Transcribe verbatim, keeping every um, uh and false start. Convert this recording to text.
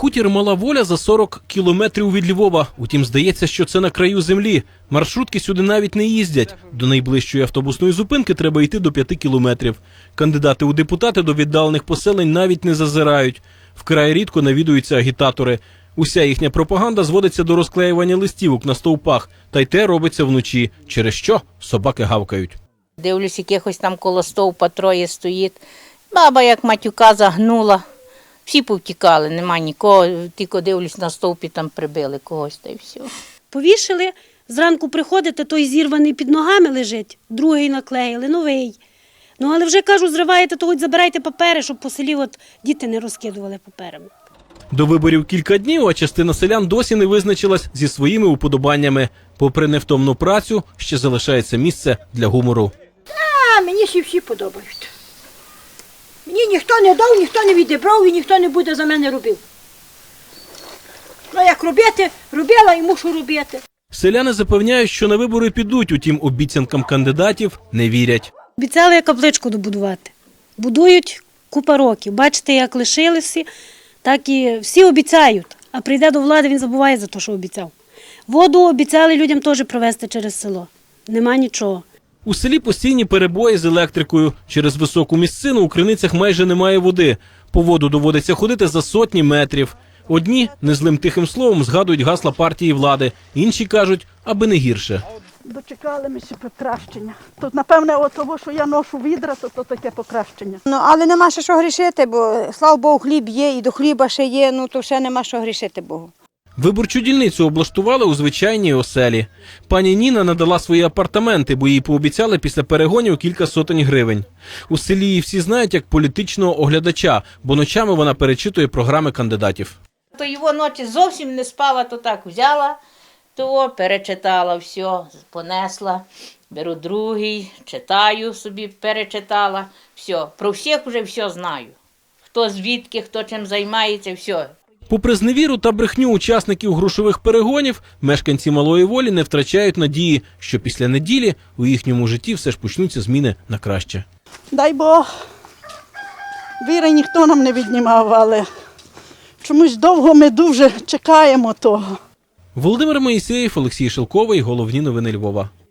Хутір Мала Воля за сорок кілометрів від Львова. Утім, здається, що це на краю землі. Маршрутки сюди навіть не їздять. До найближчої автобусної зупинки треба йти до п'яти кілометрів. Кандидати у депутати до віддалених поселень навіть не зазирають. Вкрай рідко навідуються агітатори. Уся їхня пропаганда зводиться до розклеювання листівок на стовпах. Та й те робиться вночі, через що собаки гавкають. Дивлюсь, якихось там коло стовпа троє стоїть. Баба як матюка загнула. Всі повтікали, нема нікого, тільки дивлюсь на стовпі, там прибили когось та й все. Повішали, зранку приходите, той зірваний під ногами лежить, другий наклеїли, новий. Ну, але вже, кажу, зриваєте, то хоч забирайте папери, щоб по селі от діти не розкидували паперами. До виборів кілька днів, а частина селян досі не визначилась зі своїми уподобаннями. Попри невтомну працю, ще залишається місце для гумору. А, мені всі всі подобають. Мені ніхто не дав, ніхто не відібрав і ніхто не буде за мене робив. Ну, як робити, робила і мушу робити. Селяни запевняють, що на вибори підуть, утім обіцянкам кандидатів не вірять. Обіцяли капличку добудувати. Будують купа років. Бачите, як лишилися, так і всі обіцяють. А прийде до влади, він забуває за те, що обіцяв. Воду обіцяли людям теж провести через село. Нема нічого. У селі постійні перебої з електрикою. Через високу місцину у криницях майже немає води. По воду доводиться ходити за сотні метрів. Одні незлим тихим словом згадують гасла партії влади, інші кажуть, аби не гірше. Дочекали ми ще покращення. Тут, напевне, от того, що я ношу відра, то, то таке покращення. Ну, але нема ще що грішити, бо, слава Богу, хліб є, і до хліба ще є, ну то ще нема що грішити Богу. Виборчу дільницю облаштували у звичайній оселі. Пані Ніна надала свої апартаменти, бо їй пообіцяли після перегонів кілька сотень гривень. У селі її всі знають як політичного оглядача, бо ночами вона перечитує програми кандидатів. То його ночі зовсім не спала, то так взяла, то перечитала все, понесла, беру другий, читаю собі, перечитала, все. Про всіх вже все знаю. Хто звідки, хто чим займається, все. Попри зневіру та брехню учасників грошових перегонів, мешканці Малої Волі не втрачають надії, що після неділі у їхньому житті все ж почнуться зміни на краще. Дай Бог, віри ніхто нам не віднімав, але чомусь довго ми дуже чекаємо того. Володимир Моїсеєв, Олексій Шелковий. Головні новини Львова.